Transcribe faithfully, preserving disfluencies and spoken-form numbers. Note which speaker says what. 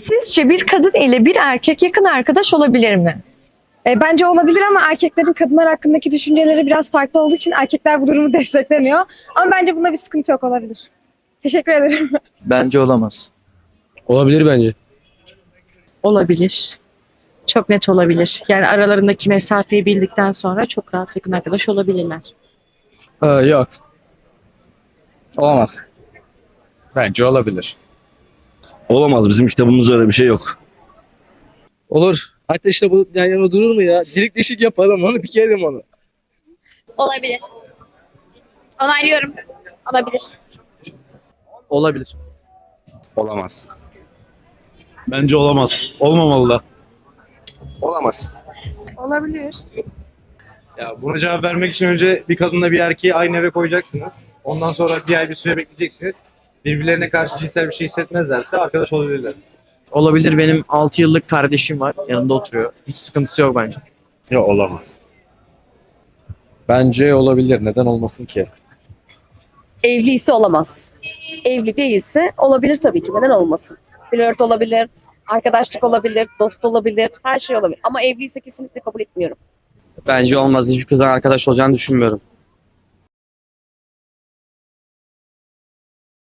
Speaker 1: Sizce bir kadın ile bir erkek yakın arkadaş olabilir mi?
Speaker 2: E, bence olabilir ama erkeklerin kadınlar hakkındaki düşünceleri biraz farklı olduğu için erkekler bu durumu desteklemiyor. Ama bence bunda bir sıkıntı yok, olabilir. Teşekkür ederim.
Speaker 3: Bence olamaz.
Speaker 4: Olabilir bence.
Speaker 5: Olabilir. Çok net olabilir. Yani aralarındaki mesafeyi bildikten sonra çok rahat yakın arkadaş olabilirler.
Speaker 4: Ee, yok. Olamaz.
Speaker 6: Bence olabilir.
Speaker 7: Olamaz. Bizim kitabımızda öyle bir şey yok.
Speaker 4: Olur. Hatta işte bu yan yana durur mu ya? Delik deşik yapalım onu, pikerim onu.
Speaker 8: Olabilir. Onaylıyorum. Olabilir.
Speaker 3: Olabilir.
Speaker 6: Olamaz. Bence olamaz. Olmamalı da.
Speaker 7: Olamaz.
Speaker 2: Olabilir.
Speaker 9: Ya buna cevap vermek için önce bir kadınla bir erkeği aynı eve koyacaksınız. Ondan sonra bir ay bir süre bekleyeceksiniz. Birbirlerine karşı cinsel bir şey hissetmezlerse arkadaş olabilirler.
Speaker 3: Olabilir. Benim altı yıllık kardeşim var. Yanında oturuyor. Hiç sıkıntısı yok bence.
Speaker 6: Yok olamaz.
Speaker 4: Bence olabilir. Neden olmasın ki?
Speaker 10: Evliyse olamaz. Evli değilse olabilir tabii ki. Neden olmasın? Flört olabilir, arkadaşlık olabilir, dost olabilir, her şey olabilir. Ama evliyse kesinlikle kabul etmiyorum.
Speaker 3: Bence olmaz. Hiçbir kızdan arkadaş olacağını düşünmüyorum.